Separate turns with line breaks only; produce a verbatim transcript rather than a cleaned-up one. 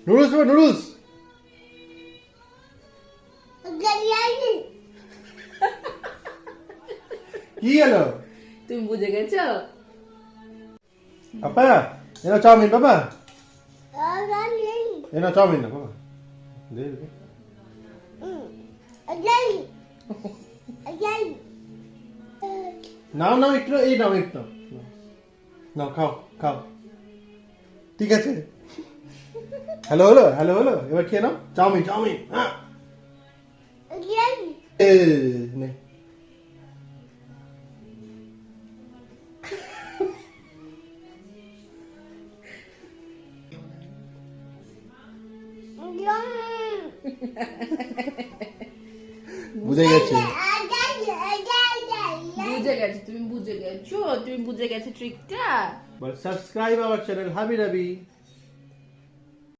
Noodles খাবে noodles কি হলো
তুমি বুঝে গেছো?
পাপা এনা চাউমিন পাপা এনা চাউমিন না পাপা দে দে নাও নাও একটু এই নাও একটু নাও খাও খাও ঠিক আছে হ্যালো হলো হ্যালো হলো এবার খেয়ে নাও চাউমিন চাউমিন হ্যাঁ এ নে বুঝে গেছে
বুঝে গেছো তুমি বুঝে গেছো তুমি বুঝে গেছো ট্রিকটা
But subscribe our channel Habi Rabi.